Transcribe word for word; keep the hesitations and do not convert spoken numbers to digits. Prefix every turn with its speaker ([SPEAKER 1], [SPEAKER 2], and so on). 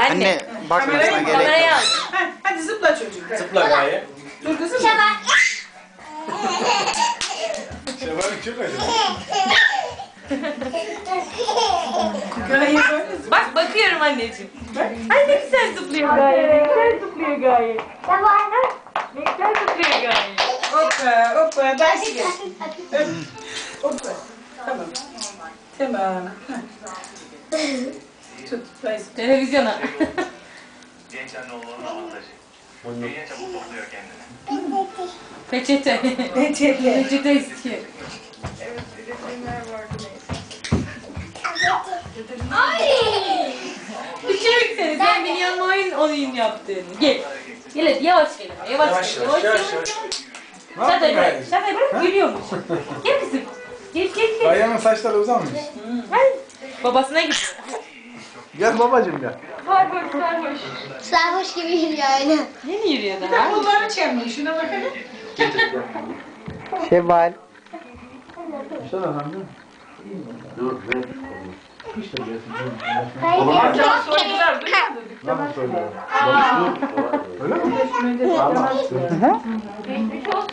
[SPEAKER 1] Anne bak sana gerek
[SPEAKER 2] Kamerayı
[SPEAKER 1] yok.
[SPEAKER 2] al.
[SPEAKER 3] Ha, hadi zıpla çocuk. hadi.
[SPEAKER 4] Zıpla Gaye.
[SPEAKER 3] Dur kızım.
[SPEAKER 4] Şevval'in çok acı.
[SPEAKER 3] Gaye böyle zıpla.
[SPEAKER 2] Bak bakıyorum anneciğim. Ay ne güzel zıplıyor Gaye. Ne güzel zıplıyor Gaye. Ne güzel zıplıyor Gaye.
[SPEAKER 3] Hoppa hoppa. Ders gel. Öp. Hoppa. Tamam. Tamam. Ha. Tut. Ders.
[SPEAKER 2] Televizyona.
[SPEAKER 5] Genç anne olmanın avantajı. Büyüyünce çabuk topluyor kendini.
[SPEAKER 2] Peçete.
[SPEAKER 3] Peçete.
[SPEAKER 2] Peçete istiyor. Ay! Düşürük seni. Sen biliyorsun oyun oyun yaptığını. Gel. Gel hadi yavaş gel. ama, Yavaş
[SPEAKER 4] Yavaş
[SPEAKER 2] gel.
[SPEAKER 4] yavaş yavaş yavaş. Ne
[SPEAKER 2] Şakayı
[SPEAKER 4] yaptın
[SPEAKER 2] bırak.
[SPEAKER 4] Gaye?
[SPEAKER 2] Şakayı bırak gülüyormuş. Gel kızım. Gel gel gel.
[SPEAKER 4] Gaye'nin saçları uzamış.
[SPEAKER 2] Gel. Babasına gidiyor.
[SPEAKER 4] Gel babacığım gel.
[SPEAKER 2] Sarhoş sarhoş.
[SPEAKER 6] Sarhoş gibi yürüyor öyle.
[SPEAKER 2] Yeni yürüyor
[SPEAKER 3] Bir de
[SPEAKER 2] daha.
[SPEAKER 3] kolları çemmiş. Şuna bakalım.
[SPEAKER 1] Şevval.
[SPEAKER 4] İşte efendim.
[SPEAKER 3] Amcam soydular. Duymadın.
[SPEAKER 4] Nasıl söylüyor? Öyle mi?
[SPEAKER 3] Geçmiş olsun.